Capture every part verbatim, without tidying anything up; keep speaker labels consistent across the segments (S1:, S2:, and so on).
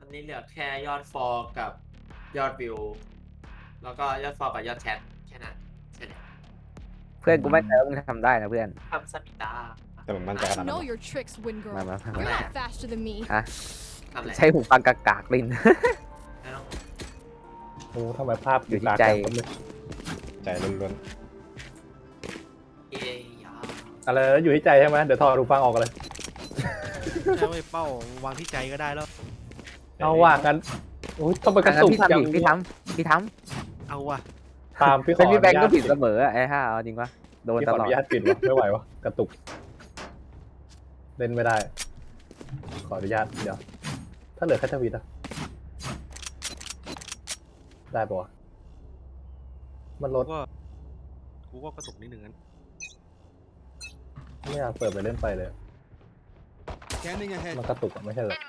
S1: อนนี้เหลือแค่ยอดฟอลกับยอดวิวแล้วก็ยอดฟอลกับยอดแชทแค่นั้นเสร็จแล้ว
S2: เพื่อนกูไม่ใจว่ามึงทำได้นะเพื่อน
S1: ทำสมิตา
S3: แต่ผมมั่นใจข
S4: I
S3: นาดนั้น
S4: know your tricks, Wind Girl.
S2: มามามา
S4: You're not faster than me.
S2: อ่ะ
S1: ทำอะไร
S2: ใช้หูฟังกากากลิ้น
S1: ไม่ต้อง
S5: โอ้ทำไมภาพ
S2: อยู่ที่ใจ
S3: ใจล้วน
S1: เอ้ยยา
S5: อะไรนะอยู่ที่ใจใช่ไหมเดี๋ยวถอดหูฟังออกเลย
S6: ใช่เว้ยเป้าวางที่ใจก็ได้แล้ว
S3: ๆ
S5: เอาว่ากันโอ้ยต้องไปกระตุก
S2: พี่ทำ
S5: อย่าง
S2: ดิพี่ทำพี่ท
S6: เอาว่ะ
S5: ตามพี่
S2: ำ
S5: ข
S2: เป็
S5: อน
S2: พี่แบงก์ก็
S5: อนุญาต
S2: ผิดเสมออะไอ้ห่าเอาจริงวะโดน
S5: พี่
S2: ต
S5: ขอ
S2: ล
S5: อ
S2: อด
S5: นุญาตปิดวะไม่ไหววะกระตุก เล่นไม่ได้ ขออนุญาตเดี๋ยว ถ้าเหลือแค่ทวิตอะได้ปะวะมันล
S6: กู
S5: ด
S6: ก็กูก็กระตุกนิดหนึ่งนั้น
S5: ไม่อยากเปิดไปเล่นไปเลย
S7: Scanning ahead.
S5: มันกระตุกอะไม่ใช่เหรอ
S1: ยิง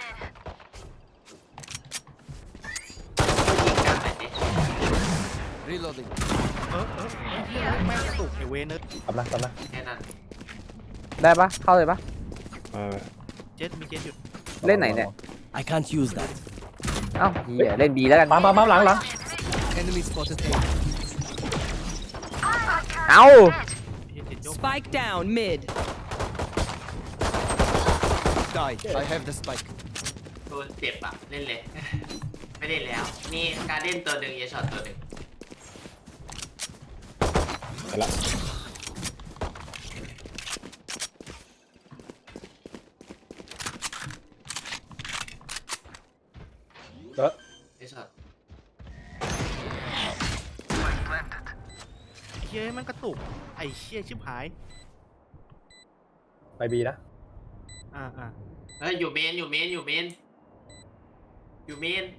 S1: กันหน่อยดิ
S7: Reloading.
S6: เออเออไอ้เหี้ยแม่งกระตุกไอเวนเนอร์
S5: กำลังกำลัง
S1: แค่นั้น
S2: ได้ปะเข้าเลยปะ
S3: เออ
S6: เจ็ดมีเจ็ดอยู่
S2: เล่นไหนเนี่ย
S7: I can't use that.
S2: เอ้าเฮียเล่นบีแล้วกัน
S5: มามามาหลังหลัง
S7: Enemy spotted A.
S2: เอ้า
S6: ไอ้เหี้ยเจ็ดยก
S8: Spike down mid.
S7: Die. I have the spike.
S1: โดนเจ็บอ่ะเล่นเลย ไม่เล่นแล้วนี่การเล่นตัวหนึ่งเอช็อตตัวหนึ่ง
S3: ไปละ
S5: เออ
S1: เอช็อต
S6: เหี้ยแม่งกระตุกไอ้เชี่ยชิบหาย
S5: ไปบีนะ
S6: อ่าอ่า
S1: เฮ้ยอยู่เมนอยู่เมนอยู่เมนอยู่เมน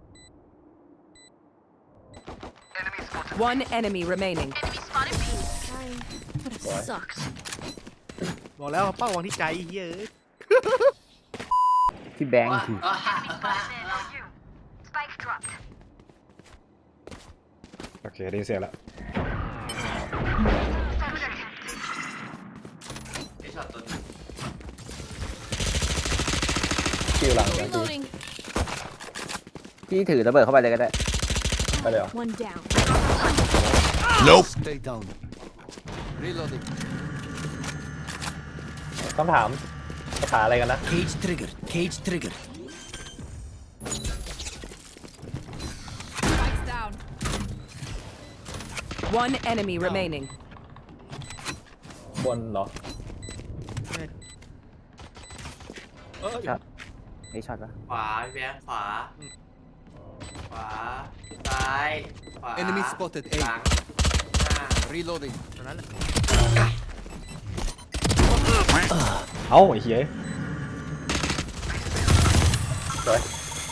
S8: One enemy remaining.
S4: Trying. Would have sucked.
S6: บอกแล้วเป้าวางที่ใจไอ้เหี้ยเอ้ย
S2: พี่แบงค์คือ
S3: โอเคได้ยินเสียงละ
S1: เอช็อตตัวหนึ่ง
S5: คิวหลังอย่างที่
S4: Reloading.
S2: พี่ถือระเบิดเข้าไปเลยก็ได้
S5: ไปเลยเหรอ
S4: One down.
S7: Nope. Stay down. Reloading.
S5: ต้องถามภาษาอะไรกันนะ
S7: Cage triggered. Cage triggered.
S4: Spikes down.
S8: One enemy remaining.
S5: บนเหรอ
S6: เออ
S2: ครับ ไอ้ช็อตปะ
S1: ขวาพี่แบงค์ขวาขวาซ้ายขวา
S7: Enemy spotted
S1: หลั
S7: A.
S1: งหน้า
S7: Reloading.
S6: ตอนนั้นแหละ
S3: เอ้าไอ้เหี้ย
S5: สวย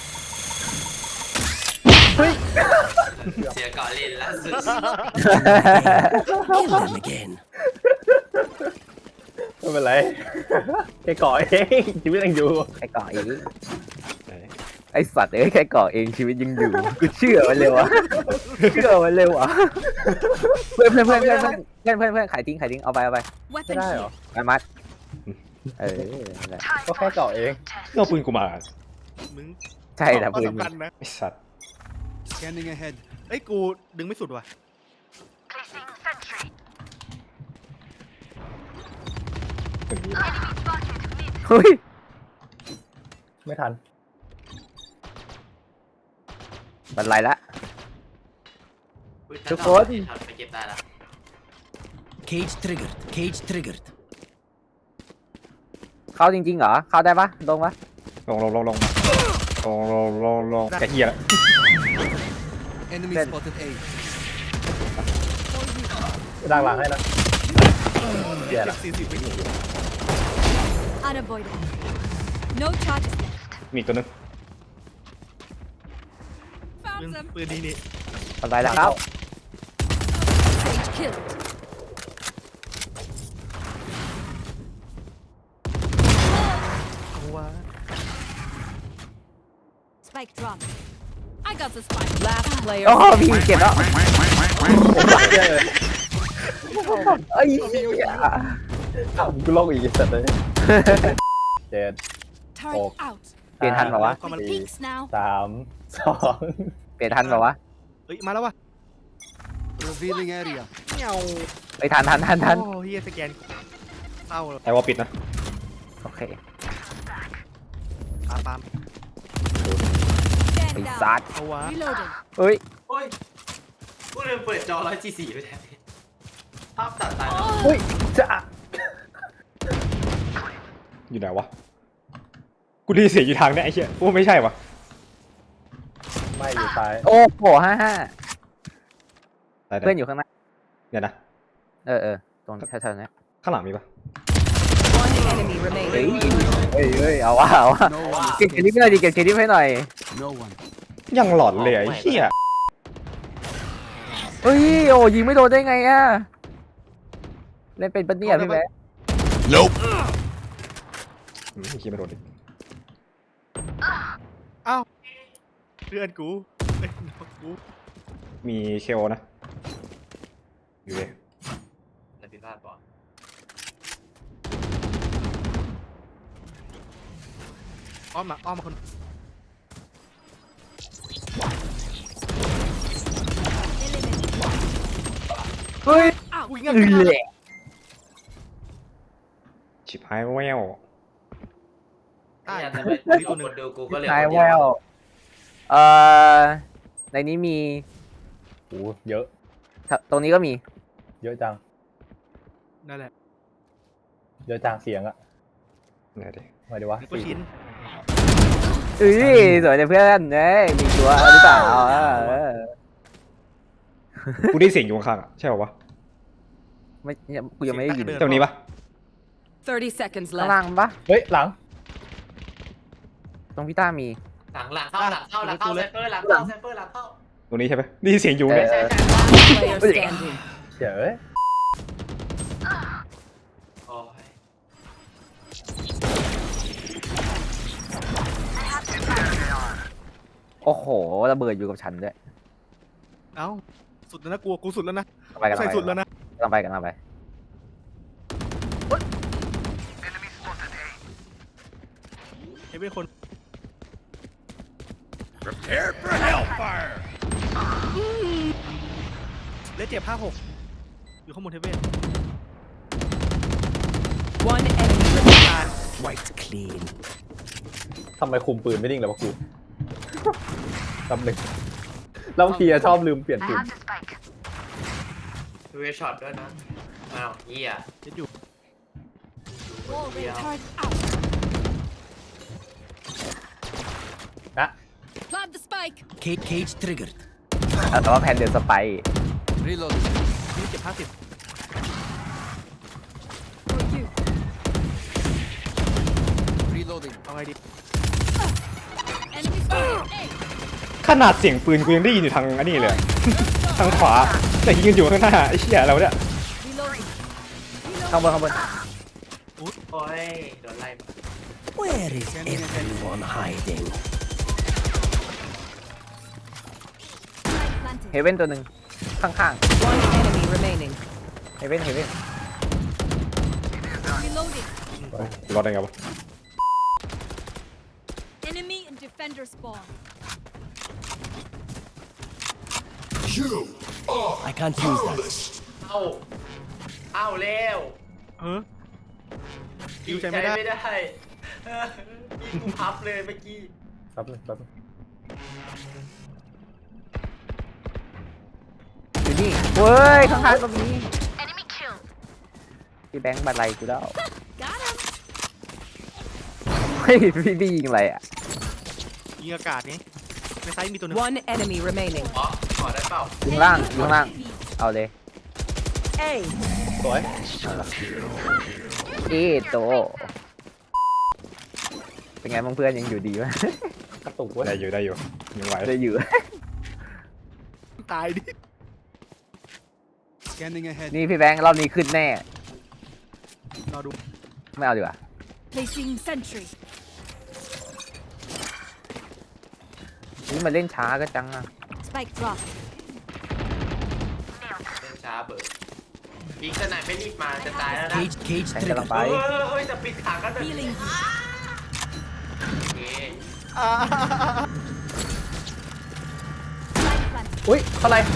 S1: เสียก่อนเล่นล่าสุด
S7: Kill him again.
S5: ไม่เป็นไร แค่ก่อเองชีวิตยังอยู่
S2: ไอ้ก่อเอง
S3: ไหน
S2: ไอ้สัตว์เอ้ยแค่ก่อเองชีวิตยังอยู่กูเชื่อมันเร็วอะเชื่อมันเร็วอะเพื่อนเพื่อนเพื่อนเพื่อนเพื่อนเพื่อนเพื่อนเพื่อนขายทิ้งขายทิ้งเอาไปเอาไป
S5: ไม่
S4: Weapon
S5: ได้เหรอ
S4: here.
S2: ไปมัดเออนั่นแหละ
S5: ก็แค่ก่อเอง
S3: เอาปืนกูมา
S6: มึง
S2: ใช่แต่
S6: ก็
S2: ปืน
S6: สำคัญนะ
S3: ไอ้สัตว์
S7: Scanning ahead.
S6: ไอ้ยกูดึงไม่สุดว่ะ
S3: ถึงนี้
S2: เฮ้ย
S5: ไม่ทัน
S2: บันไลละ
S1: อุ๊ย
S2: ทุกคน
S1: เอช็อตไปเก็บได้ละ
S7: Cage triggered. Cage triggered.
S2: เข้าจริงๆเหรอเข้าได้ปะลงปะ
S3: ลงลงลงลงลงลงลงลงกระเหี้ยละ
S7: Enemy
S2: Then-
S7: spotted A.
S5: ดังหลังให้นะเดี๋ยว
S6: เจ็
S5: ละ
S6: บสี่สิบวิ
S4: Unavoidable. No charges left.
S3: มีอีกตัวหนึง
S6: ปืน
S4: Found them.
S6: ปืนดีนี่
S2: บันไลละครับ
S4: Sage killed.
S6: เอาวะ
S4: Spike drop. I got the spike.
S8: Last player.
S2: โอ้พี่เก็บแล้วไอ้เหี้ย
S5: อ้าวกูลอกอีกสัตว์เลย เจ็ด
S4: Turret
S5: Oh.
S4: out.
S5: ไอ
S2: เปลี่ยนทันเปล่าวะ
S6: ก็มา
S4: Peeks now.
S5: สามสอง
S2: เปลี่ยนทันเปล่าวะ
S6: เฮ้ยมาแล้ววะ
S7: Revealing area.
S6: เงา
S2: ไปทันทันทันทัน
S6: โอ้เฮียสแกนเศร้าเลย
S3: ไอ้วอลปิดนะ
S2: โอเค
S6: ปามปาม
S2: ไอ้
S4: Stand
S2: ซั
S4: down.
S2: ด
S6: เอาวะ
S4: Reloading.
S2: เฮ้ย
S1: โอ้ยกูลืมเปิดจอร้อยจีสี่ไปแทนภาพตัดตาย
S5: เฮ้ยจะ
S3: อยู่ไหนวะกูได้ยินเสียงอยู่ทางเนี้ยไอ้เหี้ยกูว่าไม่ใช่วะ
S5: ไม่อยู่ซ้าย
S2: โอ้โหห้าห้า
S3: ไหนๆ
S2: เพื่อนอยู่ข้างหน้า
S3: เดี๋ยวนะ
S2: เออเออตรงแถวๆนี้
S3: ข้างหลังมีปะ
S8: One enemy
S2: เฮ้ย
S8: remaining.
S2: เฮ้ยเฮ้ยเอาวะเอาวะ
S7: No one.
S2: เก็บเครดิตให้หน่อยดิเก็บเครดิตให้หน่อย
S7: No one.
S3: ยังหลอนเลยไอ้เหี้ย
S2: เฮ้ยโอ้ยิงไม่โดนได้ไงอะเล่นเป็นปะเนี่ยพี่แบ๊ะ
S3: อืมคิดไม่โดนดิ
S6: เอ้าเพื่อนกูเอ้ยน้องกู
S3: มีเคโอนะอยู่เลย
S1: แต่ผิดพลาดปะ
S6: อ้อมมาอ้อมมาคน
S2: เฮ้ย
S6: อุ้ย
S2: เอ
S6: เงี้ย
S2: อแหละ
S3: ชิบหายแวว
S6: ได้
S1: เนี่ยแต่
S6: ไม่
S1: ไม่
S6: มี
S1: ตั
S6: ตัว วหนึ่ง
S1: คนดูกูก็เลย
S2: นาย
S1: คน
S2: แว
S1: เดียว
S2: เอ่อในนี้มี
S5: โอ้เยอะ
S2: ตรงนี้ก็มี
S5: เยอะจัง
S6: นั่นแหละ
S5: เยอะจังเสียงอะ
S3: ไหนดิ
S5: มาดีวะ
S6: นี่ก็ชิ้น
S2: เอ้ยสวยเลยเพื่อนเอ้ยมีตัวหรือเปล่าเออเออ
S3: กูได้เสียงอยู่ข้างๆอ่ะใช่ป่าวะ
S2: ไม่กูยังไม่ได้ยิน
S3: ตรงนี้ปะ
S8: thirty seconds
S2: ข้าง
S8: left.
S2: ล่างปะ
S5: เฮ้ยหลัง
S2: ตรงพี่ต้ามี
S1: หลังหลังเข้าหลังเข้าหลังเข้าไซเฟอร์หลังเข้าไซเฟอร์หลังเข้า
S3: ตรงนี้ใช่ปะได้ยินเสียงอยู่เนี่ย
S1: ใช่ใช่
S8: Player standing.
S5: เดี๋ยวเอ้ย
S1: โอ้ย
S2: โอ้โหระเบิดอยู่กับฉันด้วย
S6: เอ้าสุดแล้วนะกลัวกูสุดแล้วนะ
S2: ไปกัน
S6: ใส่
S2: ไป
S6: สุดแล้วนะ
S2: กันไปกันไป
S6: เฮ้ยเป็นคน
S7: Prepare for hellfire.
S6: เลสเจ็บห้าหกอยู่ข้างบนเทเวน
S8: One enemy remaining.
S7: Wiped clean.
S5: ทำไมคุมปืนไม่นิ่งเลยวะกูลำหนึ่งแล้วบางทีอะชอบลืมเปลี่ยนปืน
S1: ดูเวช็อตด้วยนะอ้าวเหี้ย
S6: เลสอยู่
S4: Wall retard out.
S5: นะ
S4: Plant the spike.
S7: Cage, cage triggered.
S2: แต่ว่าแพนเดินสไป
S7: Reload.
S6: นี่เจ็บห้าสิบ
S4: For you.
S7: Reloading.
S6: เอาไงดี
S4: Enemy spotted. A.
S3: ขนาดเสียงปืนกูยังได้ยินอยู่ทางอันนี้เลยอะ ทางขวาแต่ยิงกันอยู่ข้างหน้าไอ้เหี้ยเราเนี่ย
S4: Reloading.
S2: ข้างบนข้างบน
S1: โอ้ยโดนไล่มา
S7: Where is everyone hiding?
S4: Spike planted.
S2: เฮเว่นตัวหนึ่งข้าง
S8: One enemy remaining.
S2: ๆเฮเว่นเฮเว่น
S4: Reloading.
S3: รอดได้ไงวะ
S4: Enemy and defender spawn.
S7: I can't use that.
S1: เอ้าเอ้าเร็ว
S6: เออคิวใจไม่ได้
S1: ไม่ได้เออยิงกูพับเลยเมื่อกี้
S5: แป๊บนึงแป๊บนึง
S2: อยู่นี่เว้ยข้างๆก็มีพี่แบงค์บันไลกูแล้ว
S4: Got him.
S2: เฮ้ยพี่พี่ยิงอะไรอ่ะ
S6: ยิงอากาศไงในไซส์มีตัวหนึง
S8: One enemy remaining.
S1: อ๋อขอได้เปล่า
S2: ยิงล่างยิงล่างเอาเลย
S8: A.
S5: สวย
S2: เอโตเป็นไงบ้างเพื่อนยังอยู่ดีไหม
S5: กระตุกเว้ย
S3: ได้อยู่ได้อยู่ยังไหว
S2: ได้อยู่
S6: ตายดิ
S7: Scanning ahead.
S2: นี่พี่แบงค์รอบนี้ขึ้นแน่
S6: รอดู
S2: ไม่เอาดีกว่า
S4: Placing sentry.
S2: นี่มาเล่นช้าก็จังอ่ะ
S4: Spike drop.
S1: เล่นช้าเบิร์ดยิงขนาดไม่รีบมาจะตายแล้วนะ
S7: Cage, cage
S2: แทงกำลัง
S7: triggered.
S2: ไป
S1: เฮ้ยเฮ้ยจะปิดขากันแบบนี้
S4: Healing.
S1: โอเค
S5: อุ้ยข้างใน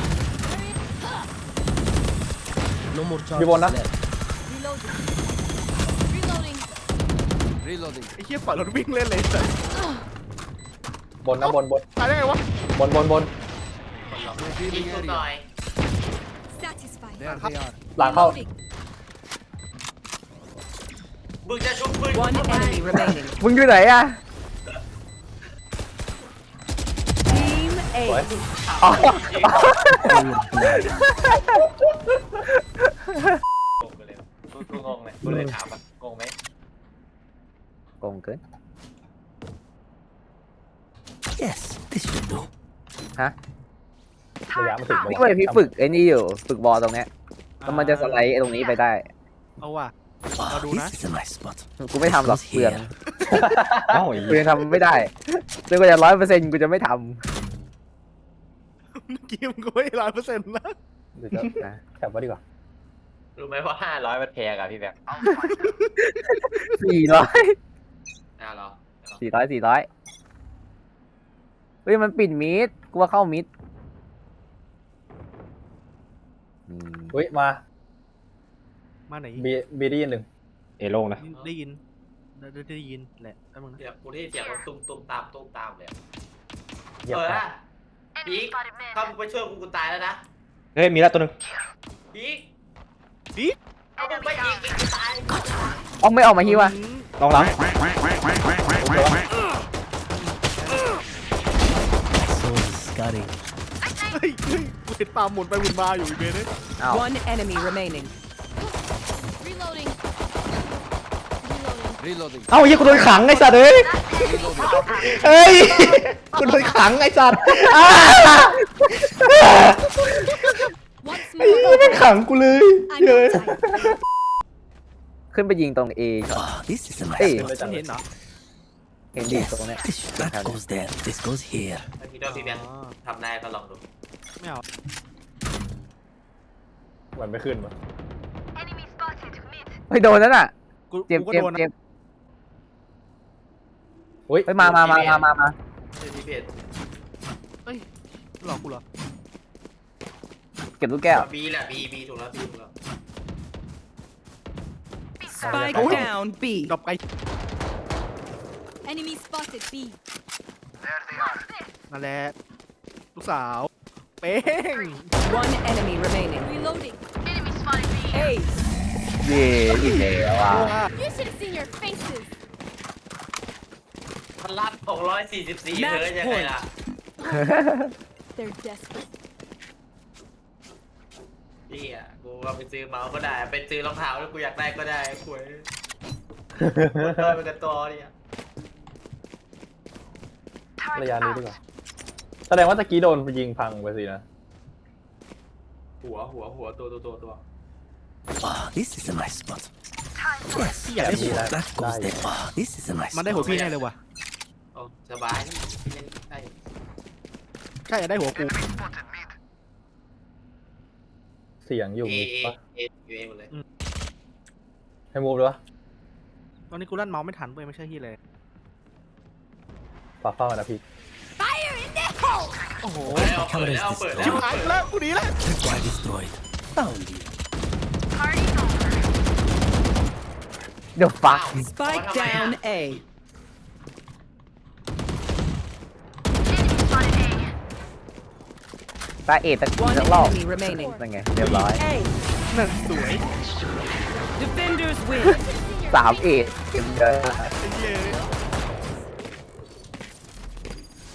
S7: No more
S5: You want
S7: charges
S5: that?
S7: left.
S4: Reloading. Reloading.
S7: Reloading.
S6: ไอ้เหี้ยปล่อยรถวิ่งเล่นเลยแต่
S5: บนนะบนบน
S6: ตายได้ไงวะ
S5: บนบนบน
S1: ยิง
S7: Revealing
S1: กูหน่อ
S7: area.
S1: ย
S4: Satisfied.
S7: There they are.
S5: หลังเข้า
S4: Reloading.
S1: มึงจะชุบปืน
S8: One enemy remaining.
S2: มึงอยู่ไหนอะ
S8: Team
S5: สวย
S8: A.
S2: อ๋อ
S1: งงไปเลยกูกูงงเลยกูเลยถามว่างงไหม
S2: โกงเกิน
S7: Yes, this should do.
S2: ฮะ
S5: ระยะมันถึง
S2: พี่เว้ยพี่ฝึกไอ้นี่อยู่ฝึกบอลตรงเนี้ยแล้วมันจะสไลด์ไอ้ตรงนี้ไปได้
S6: เอาว่ะ
S7: Ah,
S6: do
S7: this
S6: that.
S7: is a nice spot.
S2: กูไม่ทำหรอก
S7: Goes
S2: เปลือง
S7: here.
S3: เอ้าไอ้
S2: กูยังทำไม่ได้จนกว่าจะร้อยเปอร์เซ็นต์กูจะไม่ท
S6: เมื่อกี้มึงก็ไม่ร้อยเปอร์เซ็นต์นะ
S5: เดี๋ยวจะ
S2: ำนะ
S5: แคปไว้ดีกว่า
S1: รู้ไหมว่าห้าร้อยมันแพงอะพี่แบงค์
S2: สี่ร้อย
S1: อ่ะเหรอ
S2: สี่ร้อยสี่ร้อยเฮ้ยมันปิดมิดกูว่าเข้ามิดอืม
S5: อุ้ยมา
S6: มาไหน
S5: บีบีได้ยินหนึ่ง
S3: เอโล่งนะ
S6: ได้ยินได้ได้ได้ยินแหละแป๊บนึงนะ
S1: เดี๋ยวกูได้ยินเสียงมันตุ้มตุ้มตามตุ้มตามเลยอะ
S5: เหยียบ
S1: เออ
S5: ไป
S1: นะพีกถ้ามึงไปช่วยกูกูตายแล้วนะ
S3: เฮ้ยมีแล้วตัวหนึง
S1: พีก
S6: พีก
S1: ถ้ามึงไปยิงอีกกูตาย
S2: เอาไม่ออกมาฮิวะ
S3: ลองหลัง
S7: My soul is scudding.
S6: เฮ้ยเฮ้ยกูเห็นปลาหมุนไปหมุนมาอยู่อีเบนเลย
S2: อ้าว
S8: One enemy remaining.
S4: Reloading. Reloading.
S7: Reloading.
S3: เอ้าเฮียกูโดนขังไอ้สัตว์เอ้ย
S7: Reloading.
S3: เฮ้ยกูโดนขังไอ้สัตว์อ้า
S4: Once
S3: ไอ้เหี้ย
S4: more.
S3: แม่งขังกูเลย
S4: I'm
S3: เฮ้ย
S4: outside.
S2: ขึ้นไปยิงตรงเอก่อน
S7: Ah, this is a nice
S2: Hey.
S7: spot.
S6: ฉันเห็นเหรอ
S2: เห็นดิ
S7: Yes,
S2: ตรงเนี้ย
S7: this, that goes there. This goes here.
S1: ถ้าคิดว่าพี่แบงค์ทำได้ก็ลองดู
S6: ไม่เอา
S5: มันไม่ขึ้นวะ
S2: เฮ้ยโดนนั่นน่ะ
S6: กู
S2: เจ็บ
S6: กูก็
S2: เจ็บ
S6: โดนนะ
S2: เจ็บ
S5: อุ้ย
S2: เฮ้ยมามามามามามา
S1: เฮ้ยพี่เพชร
S6: เฮ้ยหลอกกูเหรอ
S2: เก็บลูกแก้ว
S1: บีแหละบีบีถูกแล้วบีถูกแล้ว
S8: Spike
S5: Oh.
S8: down B.
S6: ดรอปไกล
S4: Enemy spotted. B.
S6: นั่นแหละลูกสาวเป้ง
S8: One enemy remaining.
S4: Reloading.
S8: Ace.
S2: เย่อีกแล้วอ่ะ
S4: You should have seen your faces.
S1: มันรับหกร้อยสี่สิบสี่เธอยังไงล่ะ
S4: They're desperate.
S1: พี่อ่ะกูก็ไปซื้อเมาส์ก็ได้ไปซื้อรองเท้าแล้วกูอยากได้ก็ได้คุยเติมไปกันตัวเนี่ย
S5: ระยะนี้ดีกว่าแสดงว่าตะกี้โดนยิงพังไปสินะ
S1: หัวหัวหัวตัวตัวตัวตัว
S7: Ah, this is a nice spot. Yes,
S6: พี่อยากได้หัว
S5: that-
S7: that goes
S5: that-
S7: there. Ah, this is a nice
S6: มันได้หัว
S7: spot.
S6: พี่แน่เลยว่ะ
S1: โอ้สบายนี่พี่เล่นได้
S6: ใช่อยากได้หัวกู
S5: เสียงอยู่
S1: เอ
S5: มิด
S1: เอ
S5: ปะ
S1: เอเอหมดเลย
S5: ให้มูฟเลยวะ
S6: ตอนนี้กูลั่นเมาส์ไม่ทันเว้ยไม่ใช่ที่เลย
S5: ฝากเฝ้านะพี่
S4: Fire in the hole.
S6: โอ้โห
S1: เปิดแล้วเปิดแล้วเปิดแล้
S6: ชิบ
S1: ว
S6: หายกูแล้วกูหนีแล้ว
S7: Tripwire destroyed. Found you.
S2: เดี๋ยวฟัก
S8: Spike down A.
S2: ตาเอตะกี้
S8: One
S2: สักรอบ
S8: enemy remaining.
S2: นั่นไงเรียบร้อย
S8: A.
S6: นั่นสวย
S8: Defenders win.
S2: สามเอทเต็มเยอะ
S6: ไอ้เหี้ย